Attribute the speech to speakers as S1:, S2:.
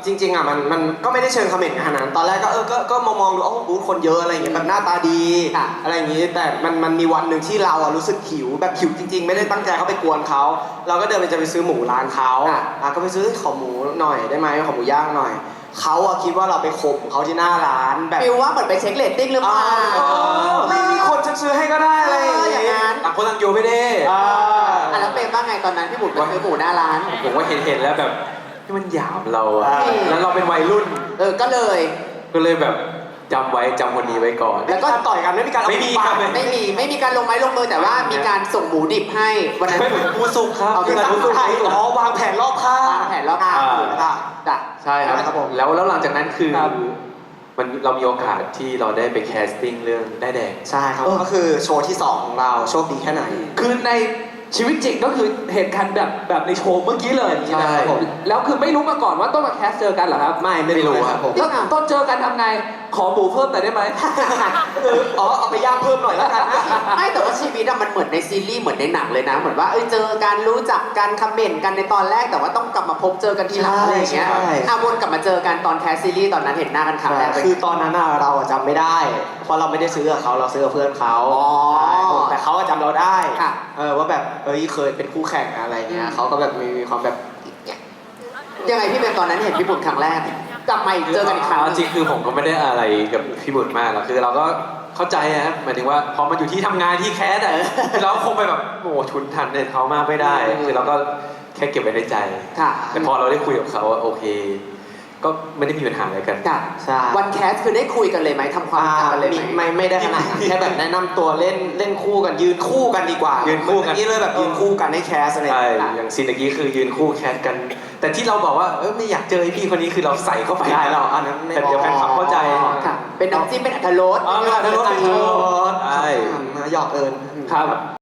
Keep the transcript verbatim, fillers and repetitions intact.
S1: จริงๆอ่ะมันมันก็ไม่ได้เชิงคอมเมนต์ขนาดนั้นตอนแรกก็เออก็ก็มองมองดูอ๋อบูธคนเยอะอะไรอย่างเงี้ยแบบหน้าตาดีอะไรอย่างงี้แต่มันมันมีวันหนึ่งที่เราอ่ะรู้สึกหิวแบบหิวจริงๆไม่ได้ตั้งใจเข้าไปกวนเขาเราก็เดินไปจะไปซื้อหมูร้านเขาอ่ะก็ไปซื้อขอหมูหน่อยได้ไหมขอหมูย่างหน่อยเขาอะคิดว่าเราไปข่มเขาที่หน้าร้านแบบ
S2: ฟิลว่าเหมือนไปเช็คเรตติ้งหรือเปล่า
S1: ไม่มีคนจะซื้อให้ก็ได้อะไรอย่างเงี้ย
S3: ต่างคนต่างอยู่ไม่ได้
S2: อ่าแล้วเป็นว่าไงตอนนั้นพี่บุ๋มไปซื้อหมูหน้าร้าน
S3: ผมว่าเห็นเห็นแล้วแบบที่มันหยาบเราอะแล้วเราเป็นวัยรุ่น
S2: เออก็เลย
S3: ก็เลยแบบจำไว้จำคนนี้ไว้ก่อน
S1: แล้วก็ต่อยกันไม่มีการ
S3: ไม่มีครับ
S2: ไม่มีไม่มีการลงไม้ลงมือแต่ว่ามีการส่งหมูดิบให้วันนั้น
S3: หมูสุกครับ
S1: คือตั้งใจอ๋อวางแผนรอบข้าง
S2: วางแผนรอบข้าง
S1: จ้ะ
S3: ใช่ครับผมแล้วแล้วหลังจากนั้นคือมันเรามีโอกาสที่เราได้ไปแคสติ้งเรื่องได้แดง
S1: ใช่ครับก็คือโชว์ที่สองของเราโชคดีแค่ไหน
S4: คือในชีวิตจริงก็คือเหตุการณ์แบบแบบในโชว์เมื่อกี้เลย
S3: ใช่
S4: แล้วคือไม่รู้มาก่อนว่าต้องมาแคสเจอกันเหรอครับ
S1: ไม่ไม่รู้ครับผม
S4: แล้วตอนเจอกันทำไงขอหมูเพิ่มหน่อยได้ไหม
S1: อ๋อเอาไปย่างเพิ่มหน่อยแล้วกันนะ
S2: ไม่แต่ว่าชีวิตอะมันเหมือนในซีรีส์เหมือนในหนังเลยนะเหมือนว่าเออเจอกันรู้จักกันคอมเมนต์กันในตอนแรกแต่ว่าต้องกลับมาพบเจอกันทีหลังอะไรอย่างเงี้ยอ่ะวนกลับมาเจอกันตอนแคสซีรีส์ตอนนั้นเห็นหน้ากันครั้งแรก
S1: คือตอนนั้นเราจำไม่ได้เพราะเราไม่ได้ซื้อกับเขาเราซื้อกับเพื่อนเขาแต่เขาจำเราได้เออว่าแบบเอ้ยเคยเป็นคู่แข่งอะไรเงี้ยเขาก็แบบมีความแบบ
S2: ยังไงพี่เป็นตอนนั้นเห็นพี่บุญครั้งแรกกลับมาอีกเจอกันอีกครั้ง
S3: จริงคือผมก็ไม่ได้อะไรกับพี่บุญมากหรอกคือเราก็เข้าใจนะหมายถึงว่าพอมาอยู่ที่ทำงานที่แคสอะเราคงไปแบบโอ้ชุนทันเนี่ยเขามากไม่ได้คือเราก็แค่เก็บไว้ในใจแต่พอเราได้คุยกับเขาโอเคก็ไม่ได้มีปัญหาอะไรกัน
S2: ใช่วันแคสคือได้คุยกันเลยไหมทำความรู้จักกันเลยไหม
S1: ไม่ไม่ได้ขนาดนั้นแค่แบบแนะนำตัวเล่นเล่นคู่กันยืนคู่กันดีกว่า
S3: ยืนคู่กัน
S1: นี่เลยแบบยืนคู่กันให้แคสอะไร
S3: ใช่อย่างซีนเมื่อกี้คือยืนคู่แคสกันแต่ที่เราบอกว่าเออไม่อยากเจอไอ้พี่คนนี้คือเราใส่เข้าไป
S1: ได้เราอันนั้น
S3: แต่เดี๋ยวแฟนคลับเข้าใจ
S2: เป็นน้ำจิ้มเป็นอัตรรส
S3: อ๋อเป็นอัตรรสใช่
S1: หยอกเอิญ
S4: ครับ